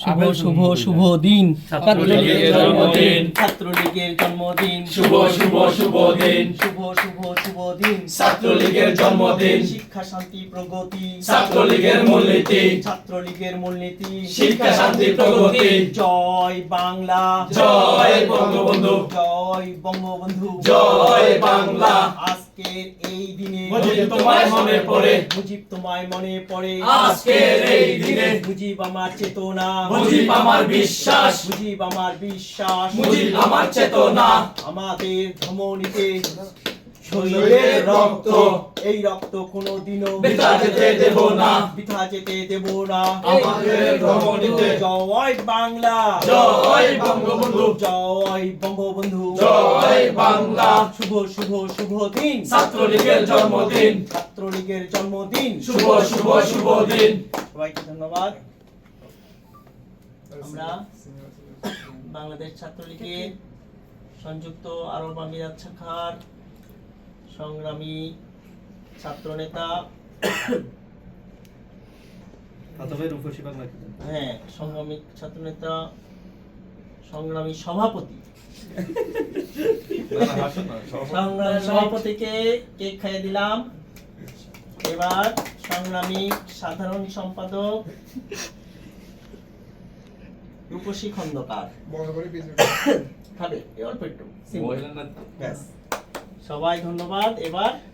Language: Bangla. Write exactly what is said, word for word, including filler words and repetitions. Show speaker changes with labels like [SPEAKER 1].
[SPEAKER 1] শুভ শুভ শুভ দিন ছাত্রলীগের জন্মদিন ছাত্রলীগের জন্মদিন
[SPEAKER 2] শুভ শুভ শুভ দিন
[SPEAKER 1] শুভ শুভ শুভ দিন
[SPEAKER 2] ছাত্রলীগের জন্মদিন
[SPEAKER 1] শিক্ষা শান্তি প্রগতি
[SPEAKER 2] ছাত্রলীগের মূলনীতি
[SPEAKER 1] ছাত্রলীগের মূলনীতি
[SPEAKER 2] শিক্ষা শান্তি প্রগতি
[SPEAKER 1] জয় বাংলা
[SPEAKER 2] জয় বঙ্গবন্ধু
[SPEAKER 1] জয় বঙ্গবন্ধু
[SPEAKER 2] জয় বাংলা
[SPEAKER 1] আজকের এই দিনে
[SPEAKER 2] মুজিব তোমায় মনে পড়ে
[SPEAKER 1] মুজিব তোমায় মনে পড়ে
[SPEAKER 2] আজকের এই দিনে
[SPEAKER 1] মুজিব আমার চেতনা
[SPEAKER 2] মুজিব আমার বিশ্বাস
[SPEAKER 1] মুজিব আমার বিশ্বাস
[SPEAKER 2] মুজিব আমার চেতনা
[SPEAKER 1] আমাদের ধমনীতে
[SPEAKER 2] শহীদের রক্ত
[SPEAKER 1] এই রক্ত কোনোদিনও
[SPEAKER 2] বৃথা যেতে দেব না
[SPEAKER 1] বৃথা যেতে দেব না
[SPEAKER 2] আমাদের ধমনীতে
[SPEAKER 1] জয় বাংলা
[SPEAKER 2] জয় বঙ্গবন্ধু
[SPEAKER 1] জয় বঙ্গবন্ধু
[SPEAKER 2] জয় বাংলা
[SPEAKER 1] শুভ শুভ শুভ দিন
[SPEAKER 2] ছাত্রলীগের জন্মদিন
[SPEAKER 1] ছাত্রলীগের জন্মদিন
[SPEAKER 2] শুভ শুভ শুভ দিন
[SPEAKER 1] সবাইকে ধন্যবাদ। আমরা বাংলাদেশ ছাত্রলীগের সংযুক্ত আরব আমিরাত শাখার সংগ্রামী ছাত্রনেতা হ্যাঁ সংগ্রামী ছাত্রনেতা সংগ্রামী সভাপতি সংগ্রামী সভাপতিকে কেক খাইয়ে দিলাম। এবার সংগ্রামী সাধারণ সম্পাদক রূপসী খন্দকার খাবে অল্প একটু ব্যাস। সবাই ধন্যবাদ। এবার